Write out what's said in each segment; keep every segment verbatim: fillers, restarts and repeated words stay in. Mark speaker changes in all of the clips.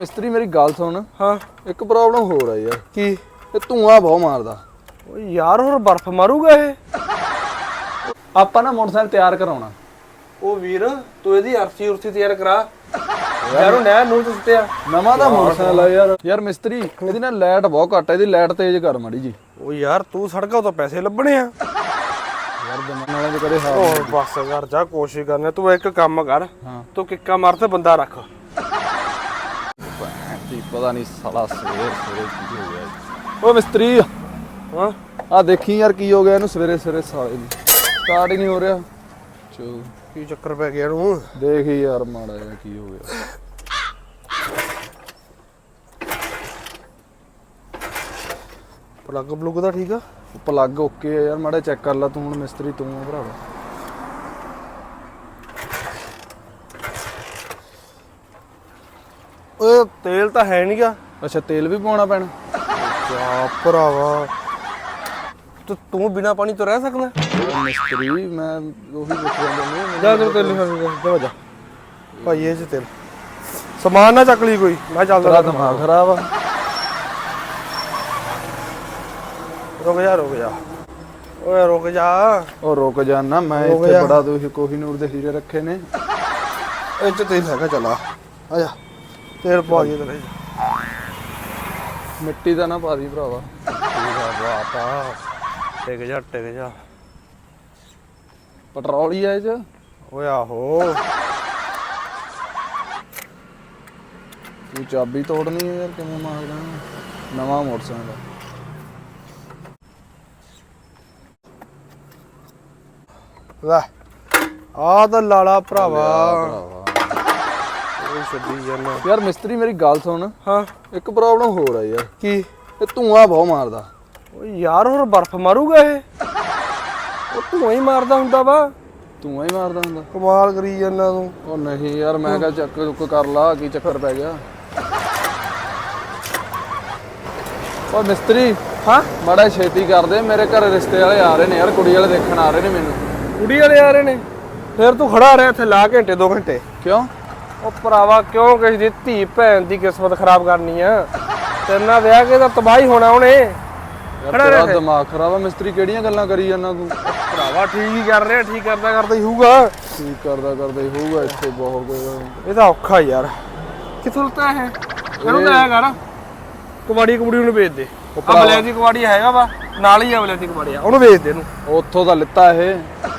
Speaker 1: ਮਿਸਤਰੀ ਮੇਰੀ ਗੱਲ ਸੁਣ।
Speaker 2: ਹਾਂ
Speaker 1: ਇੱਕ ਪ੍ਰੋਬਲਮ ਹੋ ਰਹੀ ਯਾਰ।
Speaker 2: ਕੀ?
Speaker 1: ਇਹ ਧੂਆਂ ਬਹੁਤ ਮਾਰਦਾ।
Speaker 2: ਓ ਯਾਰ ਹੋਰ ਬਰਫ਼ ਮਾਰੂਗਾ ਇਹ।
Speaker 1: ਆਪਾਂ ਨਾ ਮੋਟਰਸਾਈਕਲ ਤਿਆਰ ਕਰਾਉਣਾ।
Speaker 2: ਉਹ ਵੀਰ ਤੂੰ ਇਹਦੀ ਅਰਥੀ ਉਰਥੀ ਤਿਆਰ ਕਰਾ ਯਾਰ। ਉਹ ਨਹਿਰ ਨੂੰ ਦਿੱਤਿਆ
Speaker 1: ਨਵਾਂ ਦਾ ਮੋਟਰਸਾਈਕਲ ਆ ਯਾਰ। ਯਾਰ ਮਿਸਤਰੀ ਇਹਦੀ ਨਾ ਲਾਈਟ ਬਹੁਤ ਘੱਟ ਹੈ, ਇਹਦੀ ਲਾਈਟ ਤੇਜ਼ ਕਰ ਮਾੜੀ ਜੀ।
Speaker 2: ਉਹ ਯਾਰ ਤੂੰ ਸੜਕਾਂ ਤੋਂ ਪੈਸੇ ਲੱਭਣੇ ਆ
Speaker 1: ਯਾਰ ਜਮਨ ਵਾਲੇ ਦੇ ਕਦੇ ਹਾਲ
Speaker 2: ਹੋਰ ਬਸ ਕਰ ਜਾ, ਕੋਸ਼ਿਸ਼ ਕਰਨੇ। ਤੂੰ ਇੱਕ ਕੰਮ ਕਰ,
Speaker 1: ਹਾਂ
Speaker 2: ਤੂੰ ਕਿੱਕਾ ਮਾਰ ਤੇ ਬੰਦਾ ਰੱਖ।
Speaker 1: ਪਤਾ ਨਹੀਂ ਸਾਲਾ ਸਵੇਰੇ ਸਵੇਰੇ ਕੀ ਹੋ ਗਿਆ। ਓ ਮਿਸਤਰੀ
Speaker 2: ਹਾਂ
Speaker 1: ਆ ਦੇਖੀ ਯਾਰ ਕੀ ਹੋ ਗਿਆ ਇਹਨੂੰ ਸਵੇਰੇ ਸਵੇਰੇ ਸਾਲੇ ਨੂੰ। ਸਟਾਰਟ ਹੀ ਨਹੀਂ ਹੋ ਰਿਹਾ। ਚੋ
Speaker 2: ਕੀ ਚੱਕਰ ਪੈ ਗਿਆ ਇਹਨੂੰ?
Speaker 1: ਦੇਖ ਯਾਰ ਮਾੜਾ ਜਿਹਾ ਕੀ ਹੋ ਗਿਆ।
Speaker 2: ਪਲੱਗ ਪਲੁੱਗ ਦਾ ਠੀਕ ਆ?
Speaker 1: ਪਲੱਗ ਓਕੇ ਆ ਯਾਰ, ਮਾੜਾ ਚੈੱਕ ਕਰ ਲੈ ਤੂੰ। ਹੁਣ ਮਿਸਤਰੀ ਤੂੰ ਆ ਭਰਾਵਾ।
Speaker 2: ਓਏ ਤੇਲ ਤਾਂ ਹੈ ਨਹੀਂਗਾ।
Speaker 1: ਅੱਛਾ ਤੇਲ ਵੀ ਪਾਉਣਾ ਪੈਣਾ?
Speaker 2: ਜਾ ਭਰਾਵਾ ਤੂੰ ਤੂੰ ਬਿਨਾ ਪਾਣੀ ਤੋਂ ਰਹਿ ਸਕਦਾ?
Speaker 1: ਮਿਸਤਰੀ ਮੈਂ ਉਹੀ ਪੁੱਛ ਰਿਹਾ ਨਹੀਂ।
Speaker 2: ਜਾ ਤੇਰੇ ਤੇਲ ਜਾ ਜਾ ਭਾਈ ਇਹ ਚ ਤੇਲ ਸਮਾਨ ਨਾ ਚੱਕ ਲਈ ਕੋਈ। ਮੈਂ ਚੱਲਦਾ।
Speaker 1: ਤੇਰਾ ਦਿਮਾਗ ਖਰਾਬ ਆ।
Speaker 2: ਰੁਕ ਜਾ ਰੁਕ ਜਾ ਓਏ ਰੁਕ ਜਾ।
Speaker 1: ਉਹ ਰੁਕ ਜਾਣਾ ਮੈਂ
Speaker 2: ਰੁਕ
Speaker 1: ਇੱਥੇ
Speaker 2: ਜਾ।
Speaker 1: ਬੜਾ ਤੁਸੀਂ ਕੋਹੀਨੂਰ ਦੇ ਹੀਰੇ ਰੱਖੇ ਨੇ।
Speaker 2: ਇਹ ਚ ਤੇਲ ਹੈਗਾ, ਚਲਾ ਆ ਜਾ ਤੇਲ ਪਾ ਦੇ ਤੇਰੇ।
Speaker 1: ਮਿੱਟੀ ਦਾ ਨਾ ਪਾ ਦੀ ਭਰਾਵਾ।
Speaker 2: ਵਾਤਾ ਟਿਕ ਜਾ ਟਿਕ ਜਾ।
Speaker 1: ਪੈਟਰੋਲ ਹੀ ਆ ਇਹ ਚ।
Speaker 2: ਓਏ ਆਹੋ
Speaker 1: ਤੂੰ ਚਾਬੀ ਤੋੜਨੀ ਹੈ ਯਾਰ, ਕਿਵੇਂ ਮਾਰਦਾ ਨਵਾਂ ਮੋਟਰਸਾਈਕਲ।
Speaker 2: ਲੈ ਆ ਤਾਂ ਲਾਲਾ ਭਰਾਵਾ।
Speaker 1: ਭਰਾਵਾ
Speaker 2: ਉਹ ਛੱਡੀ ਜਾਨਾ
Speaker 1: ਯਾਰ ਮਿਸਤਰੀ ਮੇਰੀ ਗੱਲ ਸੁਣ।
Speaker 2: ਹਾਂ
Speaker 1: ਇੱਕ ਪ੍ਰੋਬਲਮ ਹੋ ਰਹੀ ਯਾਰ।
Speaker 2: ਕੀ?
Speaker 1: ਇਹ ਧੂਆਂ ਬਹੁਤ ਮਾਰਦਾ।
Speaker 2: ਓ ਯਾਰ ਹੋਰ ਬਰਫ਼ ਮਾਰੂਗਾ ਇਹ। ਉਹ ਧੂਆਂ ਹੀ ਮਾਰਦਾ ਹੁੰਦਾ ਵਾ।
Speaker 1: ਧੂਆਂ ਹੀ ਮਾਰਦਾ ਹੁੰਦਾ।
Speaker 2: ਕਮਾਲ ਕਰੀ ਜਾਂਦਾ ਤੂੰ।
Speaker 1: ਉਹ ਨਹੀਂ ਯਾਰ ਮੈਂ ਕਿਹਾ ਚੱਕ ਚੁੱਕ ਕਰ ਲਾ, ਕੀ ਚੱਕਰ ਪੈ ਗਿਆ। ਓ ਮਿਸਤਰੀ
Speaker 2: ਹਾਂ
Speaker 1: ਮਾੜਾ ਛੇਤੀ ਕਰ ਦੇ, ਮੇਰੇ ਘਰ ਰਿਸ਼ਤੇ ਵਾਲੇ ਆ ਰਹੇ ਨੇ ਯਾਰ, ਕੁੜੀ ਵਾਲੇ ਦੇਖਣ ਆ ਰਹੇ ਨੇ ਮੈਨੂੰ।
Speaker 2: ਕੁੜੀ ਵਾਲੇ ਆ ਰਹੇ ਨੇ? ਫਿਰ ਤੂੰ ਖੜਾ ਰਿਹਾ ਇੱਥੇ ਲਾ ਘੰਟੇ ਦੋ ਘੰਟੇ
Speaker 1: ਕਿਉਂ?
Speaker 2: ਉਹ ਭਰਾਵਾ ਕਿਉਂ ਕਿਸੇ ਦੀ ਧੀ ਭੈਣ ਦੀ ਕਿਸਮਤ ਖਰਾਬ ਕਰਨੀ ਆ? ਤੇਰੇ ਨਾਲ ਵਿਆਹ ਕੇ ਤਾਂ ਤਬਾਹੀ ਹੋਣਾ ਉਹਨੇ।
Speaker 1: ਯਾਰ ਤੇਰਾ ਦਿਮਾਗ ਖਰਾਬ ਆ ਮਿਸਤਰੀ, ਕਿਹੜੀਆਂ ਗੱਲਾਂ ਕਰੀ ਜਾਂਦਾ ਤੂੰ?
Speaker 2: ਭਰਾਵਾ ਠੀਕ ਹੀ ਕਰ ਰਿਹਾ, ਠੀਕ ਕਰਦਾ ਕਰਦਾ ਹੀ ਹੋਊਗਾ।
Speaker 1: ਠੀਕ ਕਰਦਾ ਕਰਦਾ ਹੀ ਹੋਊਗਾ। ਇੱਥੇ ਬਹੁਤ
Speaker 2: ਇਹ ਤਾਂ ਔਖਾ ਯਾਰ। ਕਿੱਥੋਂ ਲਤਾ ਹੈ ਇਹਨੂੰ? ਤਾਂ ਐ ਕਰ ਕਬਾੜੀ ਕਬੂੜੀ ਨੂੰ ਵੇਚ ਦੇ। ਅਬਲੇ ਦੀ ਕਬਾੜੀ ਹੈਗਾ ਵਾ ਨਾਲ ਹੀ, ਅਬਲੇ ਦੀ ਕਬਾੜੀ ਆ, ਉਹਨੂੰ ਵੇਚ ਦੇ ਇਹਨੂੰ।
Speaker 1: ਉੱਥੋਂ ਦਾ ਲਿੱਤਾ ਇਹ।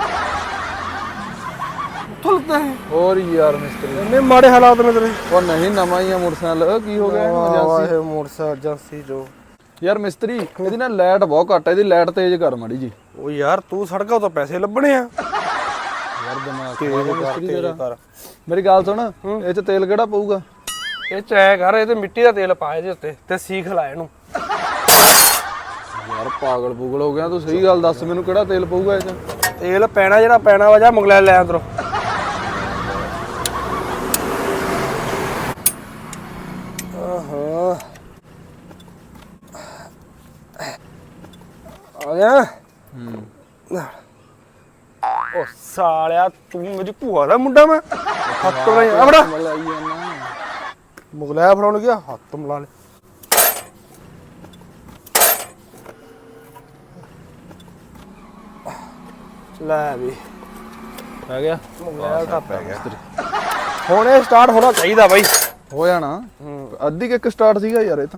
Speaker 2: ਉੱਥੋਂ ਲਤਾ ਹੈ?
Speaker 1: ਹੋਰ ਯਾਰ ਮਿਸਤਰੀ
Speaker 2: ਇੰਨੇ ਮਾੜੇ ਹਾਲਾਤ ਨੇ ਤੇਰੇ।
Speaker 1: ਉਹ ਨਹੀਂ ਨਵਾਂ ਹੀ ਆ ਮੋਟਰਸਾਈਕਲ। ਕੀ ਹੋ ਗਿਆ ਇਹਨੂੰ? ਏਜੰਸੀ
Speaker 2: ਇਹ ਮੋਟਰਸਾਈਕਲ ਏਜੰਸੀ ਜੋ
Speaker 1: ਯਾਰ ਮਿਸਤਰੀ ਇਹਦੀ ਨਾ ਲਾਈਟ ਬਹੁਤ ਘੱਟ ਹੈ, ਇਹਦੀ ਲਾਈਟ ਤੇਜ਼ ਕਰ ਮਾੜੀ ਜੀ।
Speaker 2: ਉਹ ਯਾਰ ਤੂੰ ਸੜਕਾਂ ਤੋਂ ਪੈਸੇ ਲੱਭਣੇ ਆ
Speaker 1: ਯਾਰ ਦਿਮਾਗ ਖਰਾਬ ਆ ਮਿਸਤਰੀ ਤੇਰਾ।
Speaker 2: ਕਰ।
Speaker 1: ਮੇਰੀ ਗੱਲ ਸੁਣ, ਇਹ ਚ ਤੇਲ ਕਿਹੜਾ ਪਊਗਾ?
Speaker 2: ਇਹ ਚ ਐ ਕਰ, ਇਹ ਤੇ ਮਿੱਟੀ ਦਾ ਤੇਲ ਪਾ ਇਹਦੇ ਉੱਤੇ ਤੇ ਸੀਖ ਲਾ ਇਹਨੂੰ।
Speaker 1: ਯਾਰ ਪਾਗਲ ਪੂਗਲ ਹੋ ਗਿਆ ਤੂੰ, ਸਹੀ ਗੱਲ ਦੱਸ ਮੈਨੂੰ, ਕਿਹੜਾ ਤੇਲ ਪਊਗਾ ਇਹ ਚ?
Speaker 2: ਤੇਲ ਪੈਣਾ ਜਿਹੜਾ ਪੈਣਾ ਵਾ, ਜਾ ਮੁਗਲੈਲ ਲੈ ਅੰਦਰੋਂ। ਆਹੋ ਆ ਗਿਆ।
Speaker 1: ਹੂੰ
Speaker 2: ਉਹ ਸਾਲਿਆ ਤੂੰ ਮੇਰੀ ਭੂਆ ਦਾ ਮੁੰਡਾ? ਮੈਂ ਹੱਥ ਤੋਂ ਆ ਬੜਾ
Speaker 1: ਮਲਾਈ ਜਾਨਾ।
Speaker 2: ਮੁਗਲੈਲ ਫੜਾਉਣ ਗਿਆ, ਹੱਥ ਮਿਲਾ ਲੈ। ਲੈ ਵੀ
Speaker 1: ਪੈ ਗਿਆ
Speaker 2: ਮੁਗਲੈਲ ਤਾਂ ਪੈ ਗਿਆ। ਹੁਣ ਇਹ ਸਟਾਰਟ ਹੋਣਾ ਚਾਹੀਦਾ ਬਾਈ।
Speaker 1: ਹੋ ਜਾਣਾ। ਅੱਧੀ ਕਿ ਇੱਕ ਸਟਾਰਟ ਸੀਗਾ ਯਾਰ ਇਹ ਤਾਂ।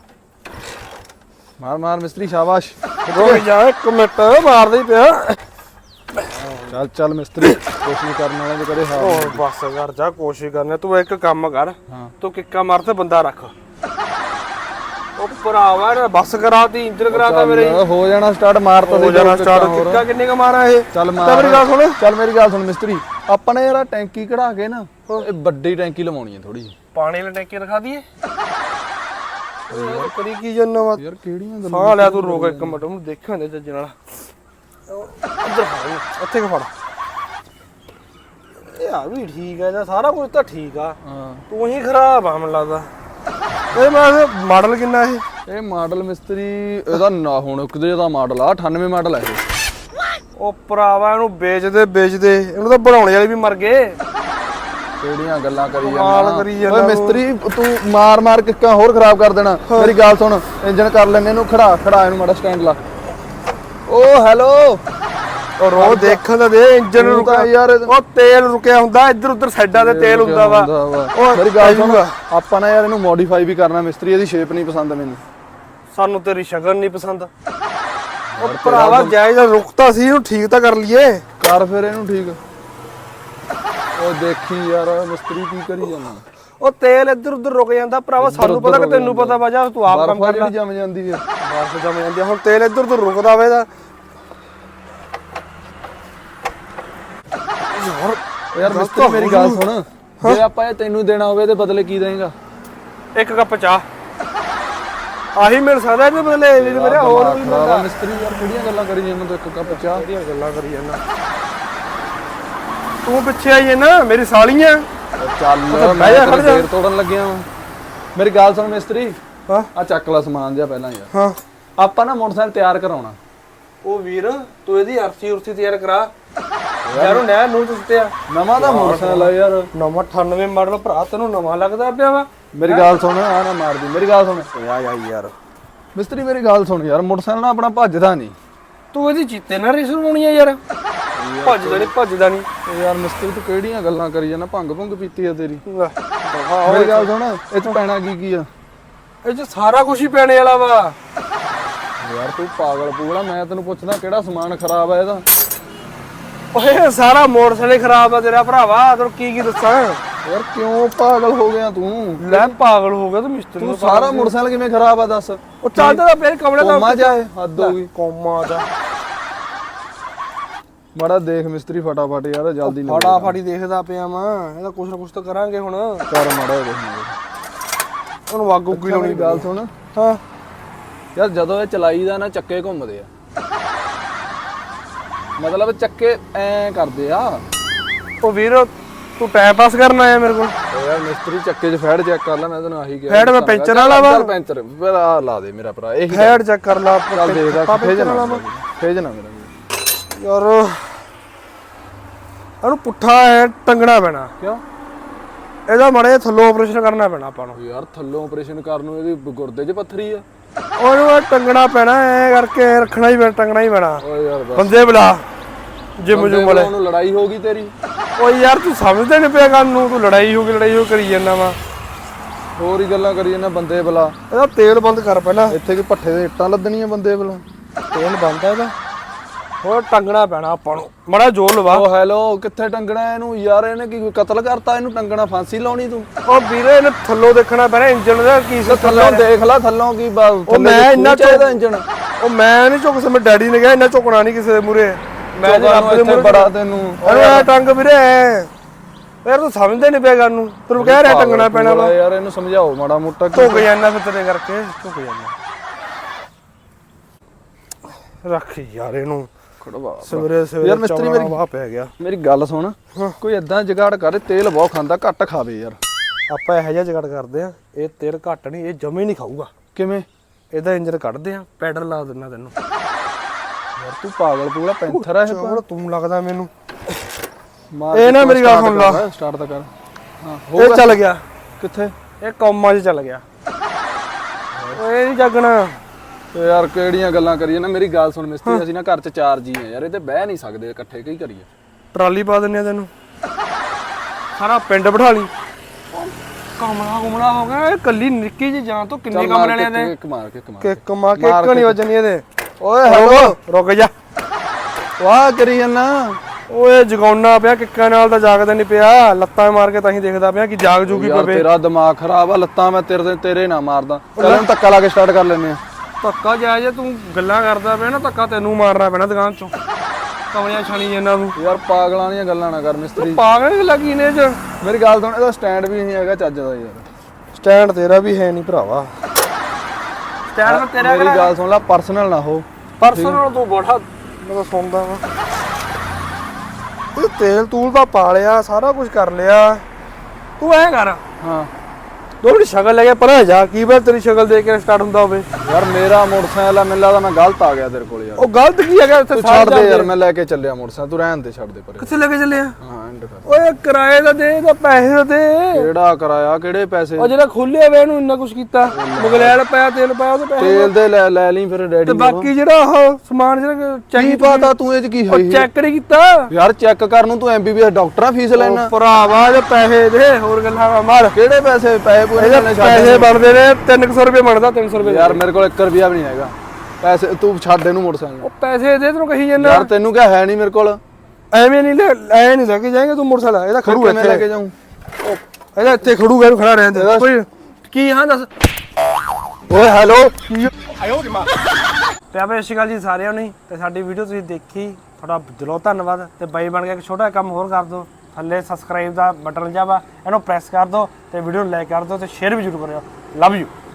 Speaker 1: ਮਾਰ ਮਾਰ ਮਿਸਤਰੀ, ਸ਼ਾਬਾਸ਼।
Speaker 2: ਰੁਕ ਜਾ ਇੱਕ ਮਿੰਟ, ਮਾਰਦਾ ਹੀ ਪਿਆ।
Speaker 1: ਚੱਲ ਚੱਲ ਮਿਸਤਰੀ, ਕੋਸ਼ਿਸ਼ ਕਰਨ ਵਾਲੇ ਦੇ ਕਦੇ ਹਾਲ
Speaker 2: ਹੋਰ ਬਸ ਕਰ ਜਾ, ਕੋਸ਼ਿਸ਼ ਕਰਨੇ। ਤੂੰ ਇੱਕ ਕੰਮ ਕਰ,
Speaker 1: ਹਾਂ
Speaker 2: ਤੂੰ ਕਿੱਕਾ ਮਾਰ ਤੇ ਬੰਦਾ ਰੱਖ। ਉਹ ਭਰਾਵਾ ਨੇ ਬੱਸ ਕਰਾਤੀ, ਇੰਜਨ ਕਰਾਤਾ ਮੇਰੇ।
Speaker 1: ਹੋ ਜਾਣਾ ਸਟਾਰਟ। ਮਾਰ ਤਾਂ
Speaker 2: ਹੋ ਜਾਣਾ ਸਟਾਰਟ। ਕਿੱਕਾ ਕਿੰਨੇ ਕ ਮਾਰਾ ਇਹ?
Speaker 1: ਚੱਲ ਮਾਰ।
Speaker 2: ਮੇਰੀ ਗੱਲ ਸੁਣ।
Speaker 1: ਚੱਲ ਮੇਰੀ ਗੱਲ ਸੁਣ ਮਿਸਤਰੀ, ਆਪਾਂ ਨੇ ਯਾਰ ਟੈਂਕੀ ਕਢਾ ਕੇ ਨਾ ਇਹ ਵੱਡੀ ਟੈਂਕੀ ਲਵਾਉਣੀ ਹੈ ਥੋੜੀ ਜਿਹੀ।
Speaker 2: ਪਾਣੀ ਵਾਲੀ ਟੈਂਕੀ ਰਖਾ ਦਈਏ। ਯਾਰ ਕਰੀ ਕੀ ਜੰਨਾ ਵਾ
Speaker 1: ਯਾਰ ਕਿਹੜੀਆਂ ਗੱਲਾਂ?
Speaker 2: ਸਾਹ ਲਿਆ ਤੂੰ, ਰੋਕ ਇੱਕ ਮਿੰਟ, ਉਹਨੂੰ ਦੇਖਾਂ ਦੇ ਜੱਜ ਨਾਲ। ਇੱਧਰ ਫੜ, ਇੱਥੇ ਕਿ ਫੜ। ਇਹ ਆ ਵੀ ਠੀਕ ਹੈ ਜਾਂ ਸਾਰਾ ਕੁਝ ਤਾਂ ਠੀਕ ਆ,
Speaker 1: ਹਾਂ
Speaker 2: ਤੂੰ ਹੀ ਖਰਾਬ ਆ ਮੈਨੂੰ ਲੱਗਦਾ। ਇਹ ਮੈਂ ਮਾਡਲ ਕਿੰਨਾ ਇਹ?
Speaker 1: ਇਹ ਮਾਡਲ ਮਿਸਤਰੀ ਇਹਦਾ ਨਾ ਹੁਣ ਕਿਤੇ ਦਾ ਮਾਡਲ ਆ ਅਠਾਨਵੇਂ ਮਾਡਲ ਹੈ ਇਹ।
Speaker 2: ਉਹ ਭਰਾਵਾ ਇਹਨੂੰ ਵੇਚਦੇ ਵੇਚਦੇ ਇਹਨੂੰ ਤਾਂ ਬਣਾਉਣੇ ਵਾਲੇ ਵੀ ਮਰ ਗਏ।
Speaker 1: ਕਿਹੜੀਆਂ ਗੱਲਾਂ ਕਰੀ
Speaker 2: ਕਮਾਲ
Speaker 1: ਜਾਂਦਾ
Speaker 2: ਕਰੀ ਜਾਂਦਾ
Speaker 1: ਓਏ
Speaker 2: ਤੂੰ।
Speaker 1: ਮਿਸਤਰੀ ਤੂੰ ਮਾਰ ਮਾਰ ਕਿੱਕਾਂ ਹੋਰ ਖਰਾਬ ਕਰ ਦੇਣਾ ਮੇਰੀ ਗੱਲ ਸੁਣ ਇੰਜਨ ਕਰ ਲੈਨੇ ਇਹਨੂੰ ਖੜਾ ਖੜਾ ਇਹਨੂੰ ਮਾੜਾ ਸਟੈਂਡ ਲਾ ਓ ਹੈਲੋ
Speaker 2: ਔਰ ਉਹ ਦੇਖਣ ਦਾ ਦੇ ਇੰਜਨ
Speaker 1: ਤੂੰ
Speaker 2: ਰੁਕਿਆ
Speaker 1: ਤਾਂ ਯਾਰ
Speaker 2: ਉਹ ਤੇਲ ਰੁਕਿਆ ਹੁੰਦਾ ਇੱਧਰ ਉੱਧਰ ਸਾਈਡਾਂ ਤੇ ਤੇਲ ਹੁੰਦਾ ਵਾ
Speaker 1: ਉਹ ਮੇਰੀ ਗੱਲ ਸੁਣ ਆਪਾਂ ਨਾ ਯਾਰ ਇਹਨੂੰ ਮੋਡੀਫਾਈ ਵੀ ਕਰਨਾ ਮਿਸਤਰੀ ਇਹਦੀ ਸ਼ੇਪ ਨਹੀਂ ਪਸੰਦ ਮੈਨੂੰ
Speaker 2: ਸਾਨੂੰ ਤੇਰੀ ਸ਼ਕਲ ਨਹੀਂ ਪਸੰਦ ਉਹ ਭਰਾਵਾ ਜਾਇਜ਼ ਰੁਕਤਾ ਸੀ ਇਹਨੂੰ ਠੀਕ ਤਾਂ ਕਰ ਲਈਏ
Speaker 1: ਕਰ ਫਿਰ ਇਹਨੂੰ ਠੀਕ ਉਹ ਦੇਖੀ ਯਾਰ ਮਿਸਤਰੀ ਕੀ ਕਰੀ ਜਾਂਦਾ
Speaker 2: ਉਹ ਤੇਲ ਇੱਧਰ ਉੱਧਰ ਰੁਕ ਜਾਂਦਾ ਭਰਾਵਾ ਸਾਨੂੰ ਪਤਾ ਕਿ ਤੈਨੂੰ ਪਤਾ ਵਾ ਜਾ ਤੂੰ ਆਪ ਕੰਮ ਕਰ ਲੈ
Speaker 1: ਜੰਮ ਜਾਂਦੀ ਹੈ
Speaker 2: ਬਰਫ਼ ਜਮ ਜਾਂਦੀ ਆ, ਹੁਣ ਤੇਲ ਇੱਧਰ ਉੱਧਰ ਰੁਕਦਾ ਵੇ ਦਾ ਯਾਰ
Speaker 1: ਯਾਰ ਮਿਸਤਰੀ ਮੇਰੀ ਗੱਲ ਸੁਣ ਜੇ ਆਪਾਂ ਇਹ ਤੈਨੂੰ ਦੇਣਾ ਹੋਵੇ ਤੇ ਬਦਲੇ ਕੀ ਦੇਂਗਾ
Speaker 2: ਇੱਕ ਕੱਪ ਚਾਹ ਆਹੀ ਮਿਲ ਸਕਦਾ ਇਹਦੇ ਬਦਲੇ ਇਹਦੇ ਮੇਰੇ ਹੋਰ ਵੀ ਮਿਲਦਾ
Speaker 1: ਮਿਸਤਰੀ ਯਾਰ ਕਿਹੜੀਆਂ ਗੱਲਾਂ ਕਰੀ ਜਾਂਦਾ ਤੂੰ ਇੱਕ ਕੱਪ ਚਾਹ
Speaker 2: ਕਿਹੜੀਆਂ ਗੱਲਾਂ ਕਰੀ ਜਾਂਦਾ ਤੂੰ ਪਿੱਛੇ ਆਈ ਨਾ ਮੇਰੀ ਸਾਲੀਆਂ
Speaker 1: ਚੱਲ ਮੈਂ ਤੇਰੇ ਫੇਰ ਤੋੜਨ ਲੱਗਿਆ ਵਾਂ ਮੇਰੀ ਗੱਲ ਸੁਣ ਮਿਸਤਰੀ
Speaker 2: ਹਾਂ
Speaker 1: ਆ ਚੱਕ ਲੈ ਸਮਾਨ ਜਿਆ ਪਹਿਲਾਂ ਯਾਰ
Speaker 2: ਹਾਂ
Speaker 1: ਆਪਾਂ ਨਾ ਮੋਟਰਸਾਈਕਲ ਤਿਆਰ ਕਰਾਉਣਾ
Speaker 2: ਉਹ ਵੀਰ ਤੂੰ ਇਹਦੀ ਅਰਥੀ ਉਰਥੀ ਤਿਆਰ ਕਰਾ ਯਾਰੋ ਨਹਿਰ ਨੂੰ ਸੁੱਟਿਆ
Speaker 1: ਨਵਾਂ ਦਾ ਮੋਟਰਸਾਈਕਲ ਆ ਯਾਰ
Speaker 2: ਨਵਾਂ ਅਠਾਨਵੇਂ ਮਾਡਲ ਭਰਾ ਤੈਨੂੰ ਨਵਾਂ ਲੱਗਦਾ ਪਿਆ ਵਾ
Speaker 1: ਮੇਰੀ ਗੱਲ ਸੁਣ ਆ ਨਾ ਮਾਰਦੀ ਮੇਰੀ ਗੱਲ ਸੁਣ
Speaker 2: ਆ ਜਾ ਯਾਰ
Speaker 1: ਮਿਸਤਰੀ ਮੇਰੀ ਗੱਲ ਸੁਣ ਯਾਰ ਮੋਟਰਸਾਈਕਲ ਨਾ ਆਪਣਾ ਭੱਜਦਾ ਨਹੀਂ
Speaker 2: ਤੂੰ ਇਹਦੀ ਚੀਤੇ ਨਾਲ ਰੇਸ ਬਣਾਉਣੀ ਆ ਯਾਰ ਭੱਜਦਾ ਨਹੀਂ ਭੱਜਦਾ ਨਹੀਂ
Speaker 1: ਯਾਰ ਮਿਸਤਰੀ ਤੂੰ ਕਿਹੜੀਆਂ ਗੱਲਾਂ ਕਰੀ ਜਾਂਦਾ ਭੰਗ ਭੁੰਗ ਪੀਤੀ ਆ ਤੇਰੀ
Speaker 2: ਵਾਹ
Speaker 1: ਮੇਰੀ ਗੱਲ ਸੁਣ ਇਹ ਚ ਪੈਣਾ ਕੀ ਕੀ ਆ
Speaker 2: ਇਹ ਚ ਸਾਰਾ ਕੁਝ ਹੀ ਪੈਣੇ ਵਾਲਾ ਵਾ
Speaker 1: ਯਾਰ ਤੂੰ ਪਾਗਲ ਪੂਗਲਾ ਮੈਂ ਤੈਨੂੰ ਪੁੱਛਦਾ ਕਿਹੜਾ ਸਮਾਨ ਖਰਾਬ ਆ ਇਹਦਾ
Speaker 2: ਓਏ ਸਾਰਾ ਮੋਟਰਸਾਈਕਲ ਖਰਾਬ ਆ ਤੇਰਾ ਭਰਾਵਾ ਤੈਨੂੰ ਕੀ ਕੀ ਦੱਸਾਂ
Speaker 1: ਯਾਰ ਕਿਉਂ ਪਾਗਲ ਹੋ ਗਿਆ ਤੂੰ
Speaker 2: ਲੈ ਪਾਗਲ ਹੋ ਗਿਆ ਤੂੰ ਮਿਸਤਰੀ
Speaker 1: ਤੂੰ ਸਾਰਾ ਮੋਟਰਸਾਈਕਲ ਕਿਵੇਂ ਖਰਾਬ ਆ ਦੱਸ
Speaker 2: ਉਹ ਚੱਲਦਾ ਤਾਂ ਫੇਰ ਕਮਲੇ ਦਾ
Speaker 1: ਕੋਮਾ ਜਾਏ ਹੱਦ ਹੋ ਗਈ
Speaker 2: ਕੋਮਾ ਜਾ
Speaker 1: ਮਾੜਾ ਦੇਖ ਮਿਸਤਰੀ ਫਟਾਫਟ ਯਾਰ ਜਲਦੀ ਨਾ
Speaker 2: ਫਟਾਫਟ ਹੀ ਦੇਖਦਾ ਪਿਆ ਮੈਂ ਇਹਦਾ ਕੁਛ ਨਾ ਕੁਛ ਤਾਂ ਕਰਾਂਗੇ ਹੁਣ
Speaker 1: ਕਰ ਮਾੜਾ ਦੇਖ
Speaker 2: ਉਹਨੂੰ ਵਾਗੂ ਕੀ ਲਾਉਣੀ
Speaker 1: ਮੇਰੀ ਗੱਲ ਸੁਣ
Speaker 2: ਹਾਂ
Speaker 1: ਯਾਰ ਜਦੋਂ ਇਹ ਚਲਾਈਦਾ ਨਾ ਚੱਕੇ ਘੁੰਮਦੇ ਆ ਮਤਲਬ ਚੱਕੇ ਐ ਕਰਦੇ ਆ
Speaker 2: ਉਹ ਵੀਰ ਤੂੰ ਟਾਈਮ ਪਾਸ ਕਰਨ ਆਇਆ ਮੇਰੇ ਕੋਲ
Speaker 1: ਯਾਰ ਮਿਸਤਰੀ ਚੱਕੇ 'ਚ ਫੈੜ ਚੈੱਕ ਕਰ ਲੈ ਮੈਂ ਤੈਨੂੰ ਆਹੀ ਕਿਹਾ
Speaker 2: ਫੈੜ ਮੈਂ ਪੈਂਚਰ ਵਾਲਾ ਵਾ
Speaker 1: ਚੱਲ ਪੈਂਚਰ ਫਿਰ ਆ ਲਾ ਦੇ ਮੇਰਾ ਭਰਾ ਇਹੀ
Speaker 2: ਫੈੜ ਚੈੱਕ ਕਰ ਲਾ
Speaker 1: ਚੱਲ ਦੇਖਦਾ ਭੇਜਣਾ ਭੇਜਣਾ ਮੇਰਾ
Speaker 2: ਯਾਰ ਇਹਨੂੰ ਪੁੱਠਾ ਐ ਟੰਗਣਾ ਪੈਣਾ
Speaker 1: ਕਿਉਂ
Speaker 2: ਇਹਦਾ ਮਾੜੇ ਥੱਲੋਂ ਆਪਰੇਸ਼ਨ ਕਰਨਾ ਪੈਣਾ ਆਪਾਂ ਨੂੰ
Speaker 1: ਯਾਰ ਥੱਲੋਂ ਆਪਰੇਸ਼ਨ ਕਰਨ ਨੂੰ ਇਹਦੀ ਗੁਰਦੇ 'ਚ ਪੱਥਰੀ ਆ
Speaker 2: ਉਹਨੂੰ ਇਹ ਟੰਗਣਾ ਪੈਣਾ ਐ ਕਰਕੇ ਰੱਖਣਾ ਹੀ ਪੈਣਾ ਟੰਗਣਾ ਹੀ ਪੈਣਾ
Speaker 1: ਓਏ ਯਾਰ ਬਸ
Speaker 2: ਬੰਦੇ ਬੁਲਾ ਜਿਮ ਜੁਮ ਵਾਲੇ
Speaker 1: ਉਹਨੂੰ ਲੜਾਈ ਹੋ ਗਈ ਤੇਰੀ
Speaker 2: ਓਏ ਯਾਰ ਤੂੰ ਸਮਝਦਾ ਨਹੀਂ ਪਿਆ ਗੱਲ ਨੂੰ ਤੂੰ ਲੜਾਈ ਹੋ ਗਈ ਲੜਾਈ ਹੋ ਕਰੀ ਜਾਂਦਾ ਵਾ
Speaker 1: ਹੋਰ ਹੀ ਗੱਲਾਂ ਕਰੀ ਜਾਂਦਾ ਬੰਦੇ ਬਲਾ
Speaker 2: ਇਹਦਾ ਤੇਲ ਬੰਦ ਕਰ ਪਹਿਲਾਂ
Speaker 1: ਇੱਥੇ ਕੀ ਪੱਠੇ ਦੇ ਇੱਟਾਂ ਲੱਦਣੀਆਂ ਬੰਦੇ ਬਲਾ
Speaker 2: ਤੇਲ ਬੰਦ ਆ ਇਹਦਾ ਹੋਰ ਟੰਗਣਾ ਪੈਣਾ ਆਪਾਂ ਨੂੰ ਮੜਾ ਜੋਰ ਲਵਾ
Speaker 1: ਓ ਹੈਲੋ ਕਿੱਥੇ ਟੰਗਣਾ ਇਹਨੂੰ ਯਾਰ ਇਹਨੇ ਕੀ ਕੋਈ ਕਤਲ ਕਰਤਾ ਇਹਨੂੰ ਟੰਗਣਾ ਫਾਂਸੀ ਲਾਉਣੀ ਤੂੰ
Speaker 2: ਉਹ ਵੀਰੇ ਇਹਨੇ ਥੱਲੋਂ ਦੇਖਣਾ ਪੈਣਾ ਇੰਜਨ ਦਾ ਕੀ ਸੀ
Speaker 1: ਥੱਲੋਂ ਦੇਖ ਲੈ ਥੱਲੋਂ ਕੀ
Speaker 2: ਉਹ ਮੈਂ ਇੰਨਾ
Speaker 1: ਚਾਹੀਦਾ ਇੰਜਨ
Speaker 2: ਉਹ ਮੈਂ ਨਹੀਂ ਝੁਕ ਸਮੇਂ ਡੈਡੀ ਨੇ ਕਿਹਾ ਇੰਨਾ ਝੁਕਣਾ ਨਹੀਂ ਕਿਸੇ ਦੇ ਮੂਰੇ ਮੈਂ ਜੇ ਰੱਬ ਦੇ
Speaker 1: ਇੱਥੇ
Speaker 2: ਮੂਰੇ
Speaker 1: ਬੜਾ ਤੈਨੂੰ
Speaker 2: ਓਏ ਟੰਗ ਵੀਰੇ ਯਾਰ ਤੂੰ ਸਮਝਦੇ ਨਹੀਂ ਪਿਆ ਗੱਲ ਨੂੰ ਤੈਨੂੰ ਕਹਿ ਰਿਹਾ ਟੰਗਣਾ ਪੈਣਾ ਵਾ
Speaker 1: ਯਾਰ ਇਹਨੂੰ ਸਮਝਾਓ ਮਾੜਾ ਮੋਟਾ
Speaker 2: ਝੁਕ ਜਾਂਦਾ ਫਿਰ ਤੇਰੇ ਕਰਕੇ ਝੁਕ ਜਾਂਦਾ ਰੱਖ ਯਾਰ ਇਹਨੂੰ
Speaker 1: ਖੜਵਾ
Speaker 2: ਸਵੇਰੇ ਸਵੇਰੇ
Speaker 1: ਯਾਰ ਮਿਸਤਰੀ ਮੇਰੀ
Speaker 2: ਵਾਹ ਪੈ ਗਿਆ
Speaker 1: ਮੇਰੀ ਗੱਲ ਸੁਣ ਕੋਈ ਏਦਾਂ ਜਗਾੜ ਕਰ ਤੇਲ ਬਹੁਤ ਖਾਂਦਾ ਘੱਟ ਖਾਵੇ ਯਾਰ
Speaker 2: ਆਪਾਂ ਇਹੋ ਜਿਹਾ ਜਗੜ ਕਰਦੇ ਆ ਇਹ ਤੇਲ ਘੱਟ ਨਹੀਂ ਇਹ ਜਮੇ ਨਹੀਂ ਖਾਊਗਾ
Speaker 1: ਕਿਵੇਂ
Speaker 2: ਇਹਦਾ ਇੰਜਨ ਕੱਢਦੇ ਆ ਪੈਡਲ ਲਾ ਦਿੰਨਾ ਤੈਨੂੰ
Speaker 1: ਯਾਰ ਤੂੰ ਪਾਗਲ ਪੂਗਲਾ ਪੈਂਥਰ ਆ ਇਹ
Speaker 2: ਚੋਰ ਤੂੰ ਲੱਗਦਾ ਮੈਨੂੰ
Speaker 1: ਮਾਰ
Speaker 2: ਇਹ ਨਾ ਮੇਰੀ ਗੱਲ ਸੁਣ ਲਾ
Speaker 1: ਸਟਾਰਟ ਤਾਂ ਕਰ ਹਾਂ
Speaker 2: ਇਹ ਚੱਲ ਗਿਆ
Speaker 1: ਕਿੱਥੇ
Speaker 2: ਇਹ ਕੌਮਾਂ 'ਚ ਚੱਲ ਗਿਆ ਓਏ ਨਹੀਂ ਜਾਗਣਾ
Speaker 1: ਯਾਰ ਕਿਹੜੀਆਂ ਗੱਲਾਂ ਕਰੀਏ ਨਾ ਮੇਰੀ ਗੱਲ ਸੁਣ ਮਿਸਤਰੀ ਅਸੀਂ ਨਾ ਘਰ 'ਚ ਚਾਰ ਜੀ ਆ ਯਾਰ ਇਹ ਤੇ ਬਹਿ ਨਹੀਂ ਸਕਦੇ ਇਕੱਠੇ ਕੀ ਕਰੀਏ
Speaker 2: ਟਰਾਲੀ ਪਾ ਦਿੰਨੇ ਆ ਤੈਨੂੰ ਸਾਰਾ ਪਿੰਡ ਬਿਠਾ ਲਈ ਕਮਲਾ ਕਮਲਾ ਹੋ ਗਿਆ ਇਹ ਕੱਲੀ ਨਿੱਕੀ ਜੀ ਜਾਨ ਤੋਂ ਕਿੰਨੇ ਕਮਰੇ ਲੈਣੇ ਨੇ
Speaker 1: ਇੱਕ ਮਾਰ ਕੇ ਇੱਕ ਮਾਰ
Speaker 2: ਕਿੱਕ ਮਾਰ ਕੇ ਇੱਕ ਨਹੀਂ ਵੱਜਣੀ ਇਹਦੇ
Speaker 1: ਓਏ ਹੈਲੋ
Speaker 2: ਰੁਕ ਜਾ
Speaker 1: ਵਾਹ ਕਰੀ ਜਾਂਦਾ
Speaker 2: ਓਏ ਜਗਾਉਣਾ ਪਿਆ ਕਿੱਕਾਂ ਨਾਲ ਤਾਂ ਜਾਗਦਾ ਨਹੀਂ ਪਿਆ ਲੱਤਾਂ ਮਾਰ ਕੇ ਤਾਂ ਹੀ ਦੇਖਦਾ ਪਿਆ ਕਿ ਜਾਗ ਜੂਗੀ
Speaker 1: ਯਾਰ
Speaker 2: ਪਵੇ
Speaker 1: ਤੇਰਾ ਦਿਮਾਗ ਖਰਾਬ ਆ ਲੱਤਾਂ ਮੈਂ ਤੇਰੇ ਤੇਰੇ ਨਾ ਮਾਰਦਾ ਚੱਲ ਇਹਨੂੰ ਧੱਕਾ ਲਾ ਕੇ ਸਟਾਰਟ ਕਰ ਲੈਨੇ ਆ
Speaker 2: ਧੱਕਾ ਜਾਇ ਜੇ ਤੂੰ ਗੱਲਾਂ ਕਰਦਾ ਪਿਆ ਨਾ ਧੱਕਾ ਤੈਨੂੰ ਮਾਰਨਾ ਪੈਣਾ ਦੁਕਾਨ ਚੋਂ ਕਮਲਿਆਂ ਛਾਣੀ ਇਹਨਾਂ ਨੂੰ
Speaker 1: ਯਾਰ ਪਾਗਲਾਂ ਦੀਆਂ ਗੱਲਾਂ ਨਾ ਕਰ ਮਿਸਤਰੀ
Speaker 2: ਪਾਗਲ ਲੱਗੀ ਨੇ ਚ
Speaker 1: ਮੇਰੀ ਗੱਲ ਸੁਣ ਇਹਦਾ ਸਟੈਂਡ ਵੀ ਨਹੀਂ ਹੈਗਾ ਚੱਜ ਦਾ ਯਾਰ
Speaker 2: ਸਟੈਂਡ ਤੇਰਾ ਵੀ ਹੈ ਨਹੀਂ ਭਰਾਵਾ ਸਟੈਂਡ ਤੇਰਾ
Speaker 1: ਮੇਰੀ ਗੱਲ ਸੁਣ ਲੈ ਪਰਸਨਲ ਨਾ ਹੋ
Speaker 2: ਪਰਸਨਲ ਤੂੰ ਬੜਾ ਮੈਂ ਸੁਣਦਾ ਵਾ ਇਹ ਤੇਲ ਤੂਲ ਦਾ ਪਾ ਲਿਆ ਸਾਰਾ ਕੁਝ ਕਰ ਲਿਆ ਤੂੰ ਐ ਕਰ
Speaker 1: ਹਾਂ
Speaker 2: ਦੋ ਮਿੰਟ ਸ਼ਕਲ ਲੈ ਕੇ ਪਰਾਂ ਜਾ ਕੀ ਬਾਤ ਤੇਰੀ ਸ਼ਕਲ ਦੇਖ ਕੇ ਸਟਾਰਟ ਹੁੰਦਾ ਹੋਵੇ
Speaker 1: ਯਾਰ ਮੇਰਾ ਮੋਟਰਸਾਈਕਲ ਆ, ਮੈਨੂੰ ਲੱਗਦਾ ਮੈਂ ਗਲਤ ਆ ਗਿਆ ਤੇਰੇ ਕੋਲ ਯਾਰ।
Speaker 2: ਉਹ ਗਲਤ ਕੀ ਹੈਗਾ ਇੱਥੇ
Speaker 1: ਤੂੰ
Speaker 2: ਸਾਰੇ
Speaker 1: ਛੱਡ ਦੇ ਯਾਰ,
Speaker 2: ਜਾਂਦੇ।
Speaker 1: ਮੈਂ ਲੈ ਕੇ ਚੱਲਿਆ ਮੋਟਰਸਾਈਕਲ, ਤੂੰ ਰਹਿਣ ਦੇ, ਛੱਡ ਦੇ ਪਰੇ।
Speaker 2: ਕਿੱਥੇ ਲੈ ਕੇ ਚੱਲੇ ਆ?
Speaker 1: ਹਾਂ ਐਂਡ ਕਰ।
Speaker 2: ਓਏ ਕਿਰਾਏ ਦਾ ਦੇ ਤਾਂ ਪੈਸੇ ਦਾ ਦੇ।
Speaker 1: ਕਿਹੜਾ ਕਰਾਇਆ, ਕਿਹੜੇ ਪੈਸੇ?
Speaker 2: ਉਹ ਜਿਹੜਾ ਖੋਲਿਆ ਵੇ ਇਹਨੂੰ ਇੰਨਾ ਕੁਛ ਕੀਤਾ, ਮੁਗਲੈਲ ਪਾਇਆ, ਤੇਲ ਪਾਇਆ, ਉਹਦੇ ਪੈਸੇ।
Speaker 1: ਤੇਲ ਦੇ ਲੈ ਲੈ ਲਈ ਫਿਰ ਡੈਡੀ
Speaker 2: ਤੇ
Speaker 1: ਨੂੰ।
Speaker 2: ਬਾਕੀ ਜਿਹੜਾ ਉਹ ਸਮਾਨ ਜਿਹੜਾ
Speaker 1: ਕੀ
Speaker 2: ਚੈੱਕ
Speaker 1: ਪਤਾ ਤੂੰ ਇਹ ਚ ਕੀ ਹੋਈ?
Speaker 2: ਚੈੱਕ ਨਹੀਂ ਕੀਤਾ
Speaker 1: ਯਾਰ ਚੈੱਕ ਕਰਨ ਨੂੰ ਤੂੰ ਐਮਬੀਬੀਐਸ ਡਾਕਟਰਾਂ ਫੀਸ ਲੈਣਾ।
Speaker 2: ਭਰਾਵਾ ਜੇ ਪੈਸੇ ਦੇ, ਹੋਰ ਗੱਲਾਂ ਨਾ ਮਾਰ।
Speaker 1: ਕਿਹੜੇ ਪੈਸੇ? ਪੈਸੇ ਪੂਰੇ
Speaker 2: ਇਹਦੇ
Speaker 1: ਲੈਣੇ
Speaker 2: ਪੈਸੇ ਬਣਦੇ ਨੇ ਤਿੰਨ ਸੌ ਰੁਪਏ ਬਣਦਾ, ਤਿੰਨ ਸੌ ਰੁਪਏ।
Speaker 1: ਯਾਰ ਮੇਰੇ ਕੋਲ ਇੱਕ ਰੁਪਿਆ ਵੀ ਨਹੀਂ ਹੈਗਾ ਪੈਸੇ, ਤੂੰ ਛੱਡ ਇਹਨੂੰ ਮੋਟਰਸਾਈਕਲ।
Speaker 2: ਉਹ ਪੈਸੇ ਦੇ ਤੈਨੂੰ ਕਹੀ ਜਾਂਦਾ
Speaker 1: ਯਾਰ ਤੈਨੂੰ ਕਿਹਾ ਹੈ ਨਹੀਂ ਮੇਰੇ ਕੋਲ।
Speaker 2: ਐਵੇਂ ਨਹੀਂ ਲੈ ਐ ਨਹੀਂ ਲੈ ਕੇ ਜਾਏਗਾ ਤੂੰ ਮੋਟਰਸਾਈਕਲ। ਇਹਦਾ ਖੜੂ
Speaker 1: ਕਿਵੇਂ ਲੈ
Speaker 2: ਇੱਥੇ,
Speaker 1: ਕੇ ਜਾਊਂ?
Speaker 2: ਇਹਦਾ ਇੱਥੇ ਖੜੂਗਾ, ਇਹਨੂੰ ਖੜਾ ਰਹਿਣ ਦੇ। ਕੋਈ ਕੀ ਹਾਂ ਦੱਸ।
Speaker 1: ਓਏ ਹੈਲੋ।
Speaker 2: ਪਿਆਰੇ ਸਤਿ ਸ਼੍ਰੀ ਅਕਾਲ ਜੀ ਸਾਰਿਆਂ ਨੂੰ। ਤੇ ਸਾਡੀ ਵੀਡੀਓ ਤੁਸੀਂ ਦੇਖੀ, ਤੁਹਾਡਾ ਦਿਲੋਂ ਧੰਨਵਾਦ। ਤੇ ਬਾਈ ਬਣ ਕੇ ਇੱਕ ਛੋਟਾ ਕੰਮ ਹੋਰ ਕਰ ਦਿਓ, ਥੱਲੇ ਸਬਸਕ੍ਰਾਈਬ ਦਾ ਬਟਨ ਜਿਹਾ ਵਾ, ਇਹਨੂੰ ਪ੍ਰੈਸ ਕਰ ਦਿਓ ਤੇ ਵੀਡੀਓ ਨੂੰ ਲਾਈਕ ਕਰ ਦਿਓ ਤੇ ਸ਼ੇਅਰ ਵੀ ਜ਼ਰੂਰ ਕਰਿਓ। Love you.